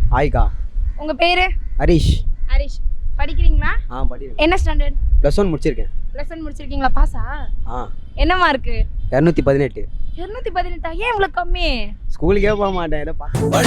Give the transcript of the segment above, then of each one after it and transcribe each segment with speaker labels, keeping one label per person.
Speaker 1: ஆய்க்கா.
Speaker 2: உங்க பேரு?
Speaker 1: ஹரிஷ்.
Speaker 2: ஹரிஷ். படிக்கிறீங்களா?
Speaker 1: படிக்கிறேன்.
Speaker 2: என்ன ஸ்டாண்டர்ட்?
Speaker 1: +1 முடிச்சிருக்கேன்.
Speaker 2: +1 முடிச்சிருக்கீங்களா? பாஸா? என்ன மார்க்?
Speaker 1: 218.
Speaker 2: 218. ஏன் இவ்வளவு கம்மி?
Speaker 1: ஸ்கூலுக்கே போக மாட்டேன். ஏதோ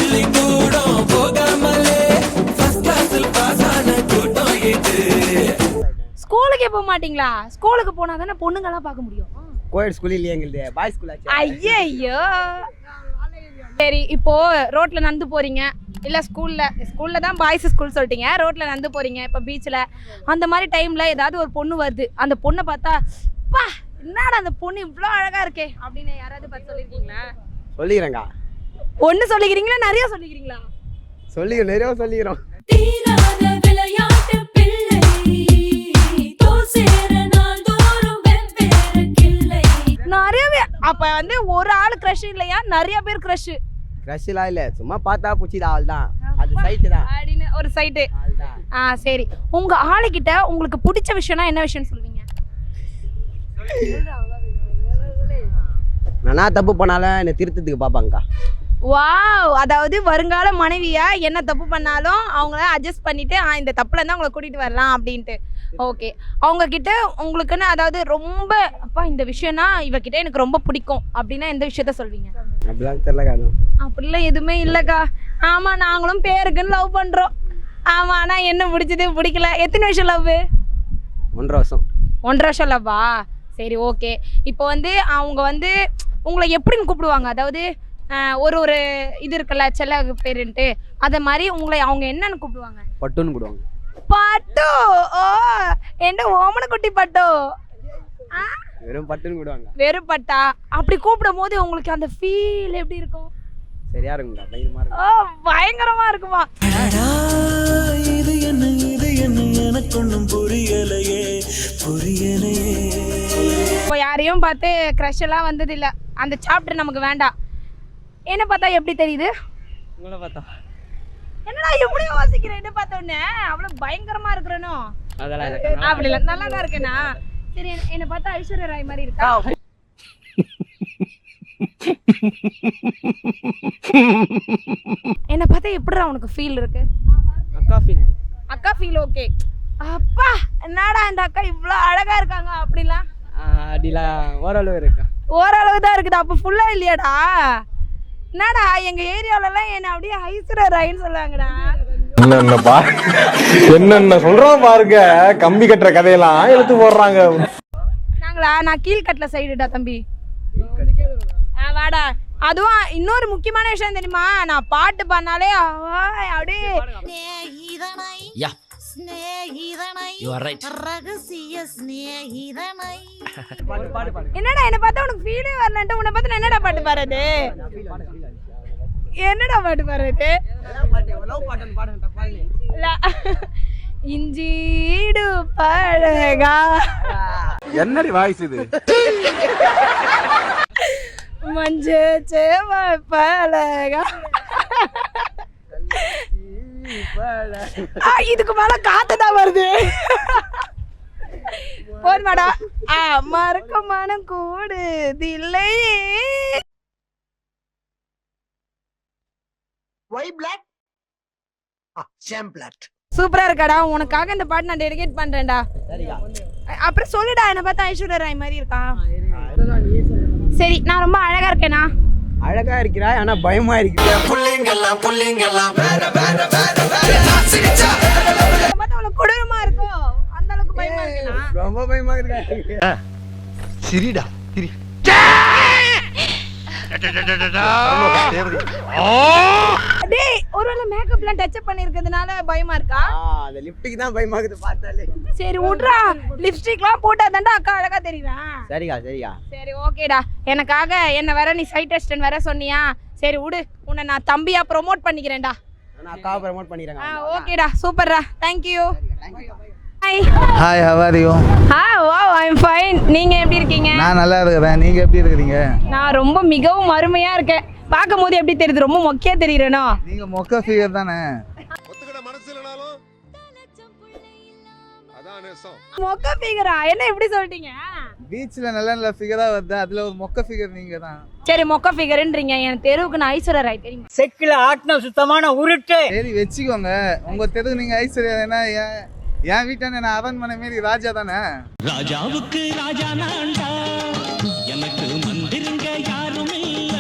Speaker 2: ஸ்கூலுக்கே போக மாட்டீங்களா? ஸ்கூலுக்கு போனா தானே பொண்ணுங்கலாம் பார்க்க முடியும்.
Speaker 1: கோயட் ஸ்கூல் இல்லையே எங்களுது, பாய்ஸ் ஸ்கூல் ஆச்சு.
Speaker 2: ஐயோ. சரி, இப்போ ரோட்ல நடந்து போறீங்க, இல்ல ஸ்கூல்ல தான் பாய்ஸ் ஸ்கூல் சொல்லிட்டீங்க, ரோட்ல நடந்து போறீங்க, இப்போ பீச்ல அந்த மாதிரி டைம்ல ஏதாவது ஒரு பொண்ணு வருது, அந்த பொண்ணை பார்த்தா பா என்னடா அந்த பொண்ணு இவ்வளோ அழகா இருக்கே அப்படின்னு யாராவது பார்த்து சொல்லியிருக்கீங்களா?
Speaker 1: சொல்லிக்கிறேங்க.
Speaker 2: ஒன்று சொல்லிக்கிறீங்களா நிறைய சொல்லிக்கிறீங்களா?
Speaker 1: நிறைய சொல்லிக்கிறோம்.
Speaker 2: நிறையவே. அப்ப வந்து ஒரு ஆள் கிரஷ் இல்லையா, நிறைய பேர் கிரஷ்?
Speaker 1: கிரஷ்லாம் இல்ல, சும்மா பார்த்தா புடிச்சது ஆள் தான். அது சைட் தான்
Speaker 2: அப்படின்னு ஒரு சைட். சரி, உங்க ஆளுகிட்ட உங்களுக்கு பிடிச்ச விஷயம்னா என்ன விஷயம் சொல்வீங்க?
Speaker 1: நான் தப்பு பண்ணாலும் என்னை திருத்தத்துக்கு பாப்பாங்கக்கா.
Speaker 2: வாவ். அதாவது வருங்கால மனைவியா என்ன தப்பு பண்ணாலும் அவங்கள அட்ஜஸ்ட் பண்ணிட்டு இந்த தப்புல இருந்தா அவங்கள கூட்டிட்டு வரலாம் அப்படின்ட்டு. ஓகே, அவங்க கிட்ட உங்களுக்குன்னு அதாவது ரொம்ப அப்பா இந்த விஷயம்னா இவகிட்ட எனக்கு ரொம்ப பிடிக்கும் அப்படின்னா எந்த விஷயத்த சொல்வீங்க?
Speaker 1: அப்படிலாம் தெரியலக்கா.
Speaker 2: அப்படிலாம் எதுவுமே இல்லைக்கா. ஆமா, நாங்களும் பேருக்குன்னு லவ் பண்றோம். ஆமா, ஆனா என்ன பிடிச்சது பிடிக்கல. எத்தனை வருஷம் லவ்?
Speaker 1: 1.5 வருஷம்.
Speaker 2: 1.5 வருஷம் லவ்வா? சரி, ஓகே. இப்போ வந்து அவங்க வந்து உங்களை எப்படின்னு கூப்பிடுவாங்க? அதாவது ஒரு இது இருக்குல்ல செல்ல பேருன்ட்டு, அதை மாதிரி உங்களை அவங்க என்னன்னு கூப்பிடுவாங்க?
Speaker 1: பட்டுன்னு கூப்பிடுவாங்க.
Speaker 2: பட்டு. ஓ, என்ன ஓமன குட்டி பட்டு?
Speaker 1: வெறும் பட்டுன்னு கூப்பிடுவாங்க.
Speaker 2: வெறும் பட்டா? அப்படி கூப்பிடும் போது உங்களுக்கு அந்த ஃபீல் எப்படி இருக்கும்?
Speaker 1: சரியா இருக்கும்க்கா, பயங்கரமா இருக்கும்.
Speaker 2: ஓ, பயங்கரமா இருக்குமா?
Speaker 3: இது என்ன எனக்கு ஒண்ணும் புரியலையே.
Speaker 2: இப்போ யாரையும் பார்த்து க்ரஷ் எல்லாம் வந்தது இல்ல, அந்த சாப்டர் நமக்கு வேண்டாம். என்ன பார்த்தா எப்படி தெரியுது?
Speaker 1: உங்களை பார்த்தா
Speaker 2: என்னடா எப்படி யோசிக்கிறேன்? என்ன பார்த்த உடனே அவ்வளவு பயங்கரமா இருக்கிறனோ?
Speaker 1: அதெல்லாம்
Speaker 2: அப்படி இல்ல, நல்லா தான் இருக்கேனா? சரி, என்ன பார்த்தா ஐஸ்வர்யா ராய் மாதிரி இருக்கா? என்ன பார்த்தா எப்படிடா உனக்கு ஃபீல் இருக்கு? அக்கா ஃபீல். ஓகே. அப்பா என்னடா இந்த அக்கா இவ்வளோ அழகா இருக்காங்க அப்படிலாம்?
Speaker 1: அப்படிலாம் ஓரளவு இருக்கா.
Speaker 2: ஓரளவு தான் இருக்குது. அப்போ ஃபுல்லா இல்லையாடா? என்னடா எங்க ஏரியாவிலலாம் என்ன அப்படியே ஐஸ்வர்யா ராயின்னு சொல்லுவாங்கடா.
Speaker 4: என்னென்ன சொல்றோம் பாருங்க, கம்பி கட்டுற கதையெல்லாம் எடுத்து போடுறாங்க.
Speaker 2: நான் கீழ்கட்டல சைடுடா தம்பி. வாடா. அதுவும் இன்னொரு முக்கியமான விஷயம் தெரியுமா, நான் பாட்டு பண்ணாலே அப்படியே என்னடா என்ன பார்த்தா உனக்கு ஃபீலே வரலன்ட்டு உன்னை பார்த்து என்னடா பாட்டு பாடுறது? என்னடா பாட்டு பாடுறது? இஞ்சீடு பழகா.
Speaker 4: என்னடி வாய்ஸ் இது?
Speaker 2: மஞ்ச சேவ பழகா. இதுக்கு மேல காத்துதான் வருது. போன்மாடா. மறக்க மனம் கூடுதில்லை. சூப்பரா இருக்காடா. உனக்காக இந்த பாட்டு நான் டெடிகேட் பண்றேன்டா. அப்புறம் சொல்லுடா, என்ன பார்த்தா ஐஸ்வர்யா ராய் மாதிரி இருக்கா? சரி, நான் ரொம்ப அழகா இருக்கேனா?
Speaker 1: அழகா இருக்கிறா, ஆனா பயமா இருக்கு.
Speaker 2: கொடூரமா இருக்கும், அந்த அளவுக்கு பயமா இருக்கா?
Speaker 1: ரொம்ப பயமா இருக்கா.
Speaker 4: சிரிடா சிரி.
Speaker 2: டேய், ஒருவேளை மேக்கப்லாம் டச் அப் பண்ணிருக்கிறதுனால பயமா இருக்கா?
Speaker 1: அந்த லிப்ஸ்டிக் தான் பயமா இருக்குது பார்த்தாலே.
Speaker 2: சரி விட்றா, லிப்ஸ்டிக்லாம் போட்டா தான்டா அக்கா அழகா தெரியுவேன்.
Speaker 1: சரிக்கா.
Speaker 2: சரி, ஓகேடா. எனக்காக என்ன வேற நீ சைட் டெஸ்ட்னு வேற சொன்னியா? சரி விடு, உன்னை நான் தம்பியா ப்ரோமோட் பண்ணிக்கிறேன்டா.
Speaker 1: நான் அக்காவை ப்ரோமோட் பண்ணிக்கிறேன்.
Speaker 2: ஓகேடா, சூப்பர்டா. Thank you. Hi.
Speaker 5: Hi, how are you?
Speaker 2: wow, I'm fine. நீங்க எப்படி இருக்கீங்க?
Speaker 5: நான் நல்லா இருக்கேன். நீங்க எப்படி இருக்கீங்க?
Speaker 2: நான் ரொம்ப மிகவும் அருமையா இருக்கேன். பாக்கும்போது எப்படி தெரியுது? ரொம்ப மொக்கையா தெரியுறேனோ?
Speaker 5: நீங்க மொக்க ஃபிகர் தானே.
Speaker 4: ஒத்துக்கிட மனசு இல்லனாலும் அதான்
Speaker 2: மொக்க ஃபிகரா? என்ன இப்படி சொல்லிட்டீங்க?
Speaker 5: பீச்சில் நல்ல நல்ல ஃபிகராக வருது, அதில் ஒரு மொக்க ஃபிகர் நீங்கள் தான்.
Speaker 2: சரி, மொக்க ஃபிகர்ன்றீங்க. என் தெருவுக்கு நான் ஐஸ்வர்யா ராய் தெரியுமா?
Speaker 6: செக்கில ஆட்டின சுத்தமான உருட்டு.
Speaker 5: சரி வச்சுக்கோங்க, உங்கள் தெருவு நீங்கள் ஐஸ்வர்யா தானே, என் வீட்டான நான் அரண்மனை மாரி ராஜா தானே.
Speaker 3: ராஜாவுக்கு ராஜா நான்டா, எனக்கு மந்திருங்க யாரும் இல்ல.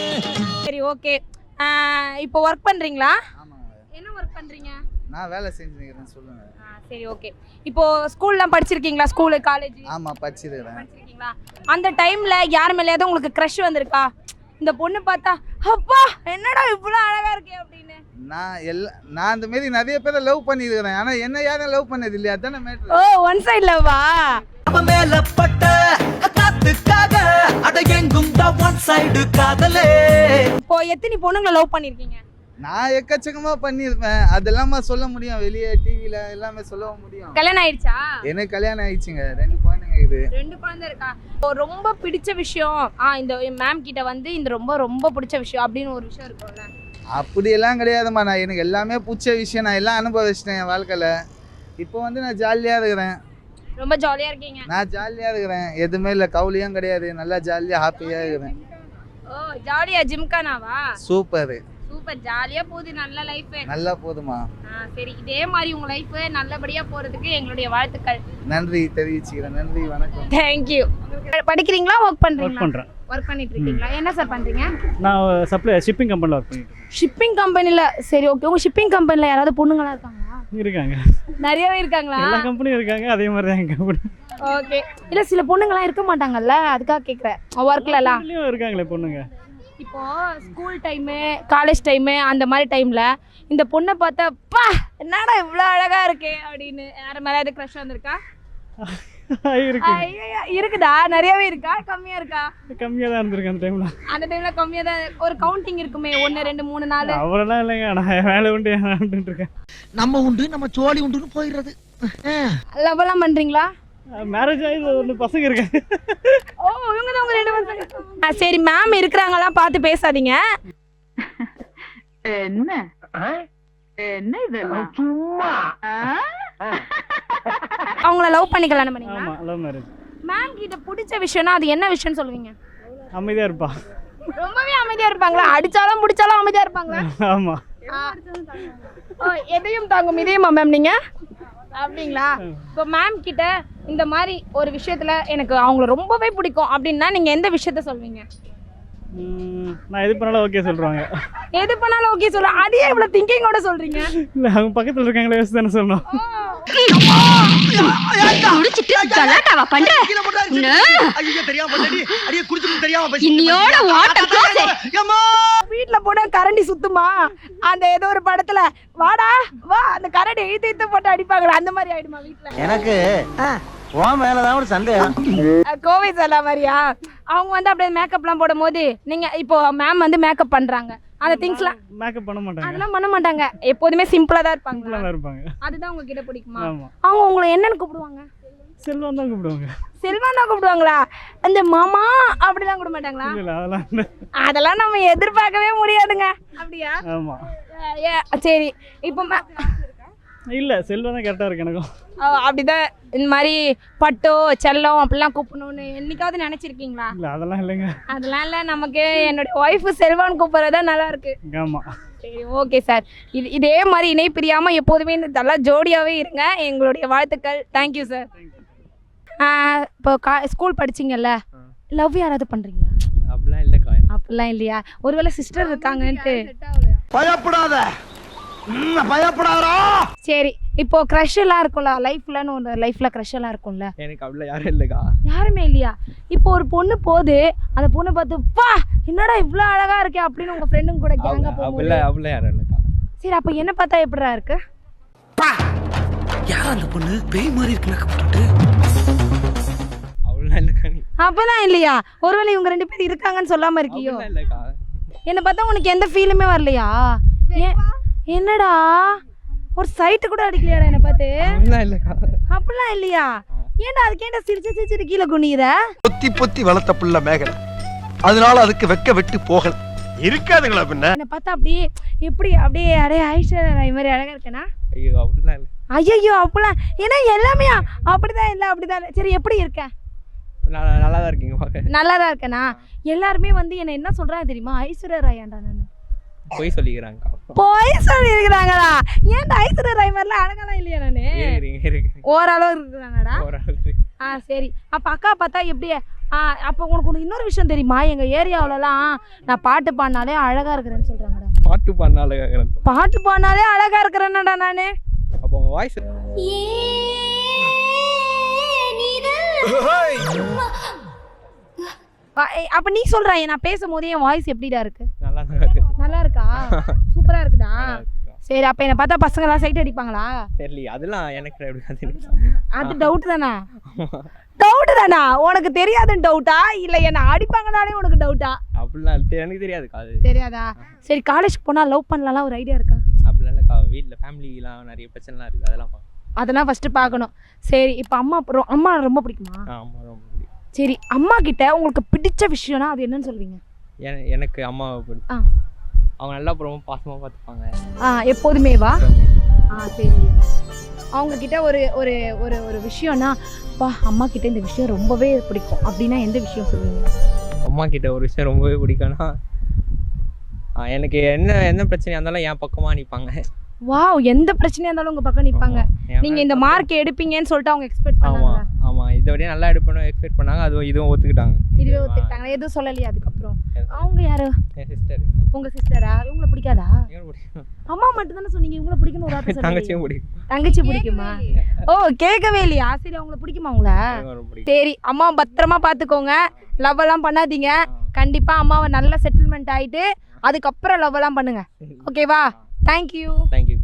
Speaker 2: சரி, ஓகே. இப்போ ஒர்க் பண்றீங்களா?
Speaker 5: ஆமாங்க,
Speaker 2: என்ன ஒர்க் பண்றீங்க?
Speaker 5: நான் வேலை செஞ்சுருக்கிறேன். சொல்லுங்கள்.
Speaker 2: சரி, ஓகே. இப்போ ஸ்கூல்லாம் படிச்சிருக்கீங்களா? ஸ்கூலு, காலேஜ்
Speaker 5: ஆமாம், படிச்சிருக்கிறேன்.
Speaker 2: படிச்சிருக்கீங்களா? அந்த டைம்ல யார் மேலேயாவது உங்களுக்கு க்ரஷ் வந்திருக்கா? இந்த பொண்ணு பார்த்தா அப்பா என்னடா இவ்வளோ அழகா இருக்கே அப்படின்னு.
Speaker 5: நான் அந்த மாரி நிறைய பேரை லவ் பண்ணியிருக்கிறேன், ஆனால் என்ன யாரும் லவ் பண்ணது இல்லையா? அதானே மேட்ரு.
Speaker 2: ஓ, ஒன் சைடு லவ்வா?
Speaker 3: மேலப்பட்ட காத்துக்காக அட எங்கும் ஒன் சைடு காதலே.
Speaker 2: இப்போ எத்தனை பொண்ணுங்களை லவ் பண்ணிருக்கீங்க?
Speaker 5: நான் எக்கச்சக்கமாக பண்ணியிருப்பேன், அதெல்லாம் சொல்ல முடியும், வெளியே டிவியில் எல்லாமே சொல்ல முடியும்.
Speaker 2: கல்யாணம் ஆயிடுச்சா?
Speaker 5: எனக்கு கல்யாணம் ஆயிடுச்சுங்க, 2 குழந்தைங்க இது.
Speaker 2: 2 குழந்தை இருக்கா? ரொம்ப பிடிச்ச விஷயம், இந்த மேம் கிட்ட வந்து இந்த ரொம்ப ரொம்ப பிடிச்ச விஷயம் அப்படின்னு ஒரு விஷயம் இருக்கும்ல?
Speaker 5: அப்படியெல்லாம் கிடையாதும்மா, நான் எனக்கு எல்லாமே பிடிச்ச விஷயம், நான் எல்லாம் அனுபவிச்சிட்டேன் என் வாழ்க்கையில். இப்போ வந்து நான் ஜாலியாக இருக்கிறேன்.
Speaker 2: ரொம்ப ஜாலியாக இருக்கீங்க?
Speaker 5: நான் ஜாலியாக இருக்கிறேன், எதுவுமே இல்லை, கவுலியும் கிடையாது, நல்லா ஜாலியாக ஹாப்பியாக இருக்கிறேன்.
Speaker 2: ஓ, ஜாலியா? ஜிம்கானாவா?
Speaker 5: சூப்பர்
Speaker 2: சூப்பர், ஜாலியா போகுது, நல்ல லைஃப்.
Speaker 5: நல்லா போதுமா?
Speaker 2: சரி, இதே மாதிரி உங்க லைஃப் நல்லபடியா போறதுக்கு எங்களுடைய வாழ்த்துக்கள்.
Speaker 5: நன்றி தெரிவிச்சுக்கிறேன். நன்றி, வணக்கம்.
Speaker 2: தேங்க்யூ. படிக்கிறீங்களா, ஒர்க் பண்றீங்களா?
Speaker 7: பண்றேன்.
Speaker 2: ஒர்க் பண்ணிட்டு இருக்கீங்களா? என்ன சார் பண்றீங்க?
Speaker 7: நான் ஷிப்பிங் கம்பெனில ஒர்க் பண்ணிட்டு இருக்கேன்.
Speaker 2: ஷிப்பிங் கம்பெனில? சரி, ஓகே. உங்க ஷிப்பிங் கம்பெனில யாராவது பொண்ணுங்களா இருக்காங்களா?
Speaker 7: இருக்காங்க,
Speaker 2: நிறையவே இருக்காங்களா?
Speaker 7: எல்லா கம்பெனியும் இருக்காங்க, அதே மாதிரி தான் எங்க கம்பெனி.
Speaker 2: ஓகே. இல்ல சில பொண்ணுங்களா இருக்க மாட்டாங்கல்ல, அதுக்காக கேக்குறேன். ஒர்க்ல எல்லாம்
Speaker 7: இருக்காங்களே பொண்ணுங்க.
Speaker 2: இப்போ ஸ்கூல் டைமு, காலேஜ் டைமு, அந்த மாதிரி டைம்ல இந்த பொண்ணை பார்த்தா பா என்னடா இவ்வளோ அழகா இருக்கே அப்படின்னு யார மேலே க்ரஷ் வந்திருக்கா? இருக்குதா? நிறையவே இருக்கா, கம்மியா இருக்கா?
Speaker 7: கம்மியா தான் இருந்திருக்கு அந்த டைம்ல.
Speaker 2: அந்த டைம்ல கம்மியா தான். ஒரு கவுண்டிங் இருக்குமே, 1 2 3 4.
Speaker 7: அவ்வளோலாம் இல்லைங்க, நான் வேலை உண்டு இருக்கேன்.
Speaker 6: நம்ம உண்டு நம்ம சோழி உண்டுன்னு போயிடுறது.
Speaker 2: லவ் எல்லாம் பண்றீங்களா?
Speaker 7: மேரேஜ் ஆகி 1 பசங்க இருக்காங்க.
Speaker 2: ஓ, இவங்க தான் உங்க 2 பசங்க. சரி, மேம் இருக்கிறாங்களா பார்த்து பேசாதீங்க.
Speaker 8: என்ன என்ன இதெல்லாம் சும்மா
Speaker 2: அவங்கள லவ் பண்ணி கல்யாணம் பண்ணீங்களா?
Speaker 7: ஆமா, லவ் மேரேஜ்.
Speaker 2: மேம் கிட்ட பிடிச்ச விஷயம்னா அது என்ன விஷயம்னு சொல்லுவீங்க?
Speaker 7: அமைதியா இருப்பா.
Speaker 2: ரொம்பவே அமைதியா இருப்பாங்களா? அடிச்சாலும் பிடிச்சாலும் அமைதியா இருப்பாங்களா?
Speaker 7: ஆமா.
Speaker 2: எதையும் தாங்கும் இதயமா மேம் நீங்க? அப்படிங்களா? இப்போ மேம் கிட்ட இந்த மாதிரி ஒரு விஷயத்துல எனக்கு அவங்கள ரொம்பவே பிடிக்கும் அப்படின்னா நீங்க எந்த விஷயத்த சொல்வீங்க?
Speaker 7: நான் எது பண்ணாலும் ஓகே சொல்றாங்க.
Speaker 2: எது பண்ணாலும் ஓகே சொல்றேன். அதே இவ்வளவு திங்கிங்கோட சொல்றீங்க?
Speaker 7: இல்ல, அவங்க பக்கத்துல இருக்காங்களே யோசிச்சு தானே சொல்லணும்.
Speaker 2: வீட்டுல போட கரண்டி சுத்துமா? அந்த ஏதோ ஒரு படத்துல வாடா வா அந்த கரண்டி இழுத்து போட்டு அடிப்பாங்களா, அந்த மாதிரி ஆயிடுமா வீட்டுல?
Speaker 6: எனக்கு உன் மேலதான் ஒரு சந்தேகம்.
Speaker 2: கோவை சொல்ல மாதிரியா? அவங்க வந்து அப்படியே மேக்கப்லாம் போடும் போது நீங்க இப்போ மேம் வந்து மேக்கப் பண்றாங்க, அந்த திங்ஸ்லாம்
Speaker 7: மேக்கப் பண்ண மாட்டாங்க.
Speaker 2: அதெல்லாம் பண்ண மாட்டாங்க, எப்போதுமே சிம்பிளா தான் இருப்பாங்க.
Speaker 7: சிம்பிளா தான் இருப்பாங்க.
Speaker 2: அதுதான் உங்ககிட்ட பிடிக்குமா?
Speaker 7: ஆமா.
Speaker 2: அவங்க உங்களை என்னன்னு கூப்பிடுவாங்க?
Speaker 7: செல்வம் தான் கூப்பிடுவாங்க.
Speaker 2: செல்வம் தான் கூப்பிடுவாங்களா? அந்த மாமா அப்படிலாம் கூப்பிட மாட்டாங்களா?
Speaker 7: இல்ல,
Speaker 2: அதெல்லாம் நம்ம எதிர்பார்க்கவே முடியாதுங்க. அப்படியா?
Speaker 7: ஆமா.
Speaker 2: சரி, இப்போ
Speaker 7: இல்ல, செல்வம் தான் கரெக்டா இருக்கு எனக்கும்.
Speaker 2: அப்படிதான் இந்த மாதிரி பட்டோ செல்லம் அப்படிலாம் கூப்பிடணும்னு என்னைக்காவது நினைச்சிருக்கீங்களா?
Speaker 7: இல்ல, அதெல்லாம் இல்லைங்க.
Speaker 2: அதெல்லாம் இல்ல, நமக்கு என்னுடைய ஒய்ஃபு செல்வான்னு கூப்பிடுறதா நல்லா இருக்கு.
Speaker 7: ஆமா.
Speaker 2: சரி, ஓகே சார். இதே மாதிரி இணை பிரியாம எப்போதுமே நல்லா ஜோடியாவே இருங்க. எங்களுடைய வாழ்த்துக்கள். Thank you sir. இப்போ ஸ்கூல் படிச்சிங்கல்ல, லவ் யாராவது பண்றீங்களா?
Speaker 1: அப்படிலாம் இல்லைக்கா.
Speaker 2: அப்படிலாம் இல்லையா? ஒருவேளை சிஸ்டர் இருக்காங்கன்ட்டு
Speaker 6: பயப்படாத, பயப்படாதா.
Speaker 2: சரி, இப்போ க்ரஷ் எல்லாம் இருக்கும்ல, லைஃப்லன்னு ஒரு லைஃப்ல க்ரஷ் எல்லாம் இருக்கும்ல?
Speaker 1: எனக்கு அப்படிலாம் யாரும் இல்லைக்கா.
Speaker 2: யாருமே இல்லையா? இப்போ ஒரு பொண்ணு போகுது, அந்த பொண்ணை பார்த்து பா என்னடா இவ்வளோ அழகா இருக்கே அப்படின்னு உங்க ஃப்ரெண்டுங்க கூட கேங்க போகும்போது
Speaker 1: அப்படிலாம் யாரும் இல்லைக்கா.
Speaker 2: சரி, அப்போ என்ன பார்த்தா எப்படிடா இருக்கு?
Speaker 3: யார் அந்த பொண்ணு? பேய் மாதிரி இருக்கு மேக்கப் போட்டு.
Speaker 1: அப்படிலாம் இல்லைக்கா.
Speaker 2: அப்பதான் இல்லையா? ஒருவேளை இவங்க 2 பேர் இருக்காங்கன்னு சொல்லாம இருக்கியோ?
Speaker 1: இல்லைக்கா.
Speaker 2: என்ன பார்த்தா உனக்கு எந்த ஃபீலுமே வரலையா? என்னடா ஒரு சைட்டு கூட அடிக்கலையாடா என்ன பார்த்து?
Speaker 1: அப்படிலாம் இல்லைக்கா.
Speaker 2: அப்படிலாம் இல்லையா? ஏன்டா அதுக்கேண்டா சிரிச்சு கீழே குனியுற?
Speaker 9: பொத்தி பொத்தி வளர்த்த புள்ள மேகலை, அதனால அதுக்கு வெக்க வெட்டு போகல.
Speaker 6: இருக்காதுங்களா பின்ன?
Speaker 2: என்னை பார்த்தா அப்படியே எப்படி அப்படியே அடைய ஐஸ்வர்யா ராய் மாதிரி அழகா இருக்கேனா?
Speaker 1: ஐயோ அப்படிலாம் இல்லை,
Speaker 2: ஐயோ அப்படிலாம் ஏன்னா எல்லாமே அப்படிதான் இல்லை அப்படிதான் இல்லை. சரி எப்படி இருக்க?
Speaker 1: நல்லா தான் இருக்கீங்க பார்க்க.
Speaker 2: நல்லா தான் இருக்கேனா? எல்லாருமே வந்து என்ன என்ன சொல்றாங்க தெரியுமா? ஐஸ்வர்யா ராயாண்டா நான்.
Speaker 1: பொய் சொல்லிக்கிறாங்க.
Speaker 2: போய் சொல்லி இருக்கிறாங்களா? ஏன்டா ஐஸ்வர்யா ராய் மாதிரிலாம் அழகாலாம் இல்லையா நானு? ஓரளவு இருக்கிறாங்கடா. சரி. அப்ப அக்கா பார்த்தா எப்படி? அப்போ உனக்கு இன்னொரு விஷயம் தெரியுமா? எங்க ஏரியாவிலலாம் நான் பாட்டு பாடினாலே அழகா இருக்கிறேன்னு சொல்றாங்கடா.
Speaker 1: பாட்டு பாடினாலே
Speaker 2: பாட்டு பாடினாலே அழகா இருக்கிறேன்னடா நானு.
Speaker 1: அப்போ உங்க வாய்ஸ்
Speaker 2: அப்ப நீ சொல்ற நான் பேசும்போது என் வாய்ஸ் எப்படிடா இருக்கு?
Speaker 1: நல்லா தான் இருக்கு.
Speaker 2: நல்லா இருக்கா? சூப்பரா இருக்குதா? சரி. அப்ப என்ன பார்த்தா பசங்க எல்லாம் சைட் அடிப்பாங்களா?
Speaker 1: தெரியல, அதெல்லாம் எனக்கு
Speaker 2: அது டவுட் தானா? டவுட் தானா? உனக்கு தெரியாதுன்னு டவுட்டா இல்ல என்ன அடிப்பாங்கனாலே உனக்கு டவுட்டா?
Speaker 1: அப்படிலாம் எனக்கு தெரியாது.
Speaker 2: தெரியாதா? சரி. காலேஜ் போனா லவ் பண்ணலாம் ஒரு ஐடியா இருக்கா?
Speaker 1: அப்படிலாம் இல்லக்கா, வீட்டில் ஃபேமிலிலாம் நிறைய பிரச்சனைலாம் இருக்குது,
Speaker 2: அதெல்லாம் ஃபர்ஸ்ட் பார்க்கணும். சரி. இப்போ அம்மா ரொம்ப பிடிக்குமா?
Speaker 1: ஆமாம், ரொம்ப பிடிக்கும்.
Speaker 2: சரி. அம்மா கிட்ட உங்களுக்கு பிடிச்ச விஷயம்னா அது என்னன்னு சொல்வீங்க?
Speaker 1: எனக்கு அம்மாவை பிடிக்கும். அவங்க நல்லா ரொம்ப பாசமாக பார்த்துப்பாங்க
Speaker 2: எப்போதுமேவா? சரி. அவங்க கிட்ட ஒரு ஒரு ஒரு ஒரு விஷயம்னா அம்மா கிட்ட இந்த விஷயம் ரொம்பவே பிடிக்கும் அப்படின்னா எந்த விஷயம் சொல்லுவீங்க?
Speaker 1: அம்மா கிட்ட ஒரு விஷயம் ரொம்பவே பிடிக்கும்னா எனக்கு என்ன பிரச்சனையாக இருந்தாலும் என் பக்கமாக நிற்பாங்க.
Speaker 2: வாவ், எந்த பிரச்சனையா இருந்தாலும் உங்க பக்கம் நிப்பாங்க. நீங்க இந்த மார்க் எடுப்பீங்கன்னு சொல்லிட்டு அவங்க எக்ஸ்பெக்ட் பண்ணாங்க.
Speaker 1: ஆமா, இதை விட நல்லா எடுப்பேன்னு எக்ஸ்பெக்ட் பண்ணாங்க. இதுவும் ஒத்துக்கிட்டாங்க.
Speaker 2: இதுவே ஒத்துக்கிட்டாங்க. எதுவும் சொல்லலையா அதுக்கப்புறம்? அவங்க யாரு?
Speaker 1: என் சிஸ்டர்.
Speaker 2: உங்க சிஸ்டரா? இவங்களை பிடிக்காதா? அம்மா மட்டும் தானே சொன்னீங்க இவங்களை பிடிக்கும்னு ஒரு வார்த்தை சொன்னீங்க.
Speaker 1: தங்கச்சியும் பிடிக்கும்.
Speaker 2: தங்கச்சி பிடிக்குமா? கேட்கவே இல்லையா? சரி. அவங்களை பிடிக்குமா உங்களை? சரி. அம்மா பத்திரமா பாத்துக்கோங்க. லவ் எல்லாம் பண்ணாதீங்க. கண்டிப்பா அம்மாவை நல்ல செட்டில்மெண்ட் ஆயிட்டு அதுக்கப்புறம் லவ் எல்லாம் பண்ணுங்க. ஓகேவா? தேங்க்யூ.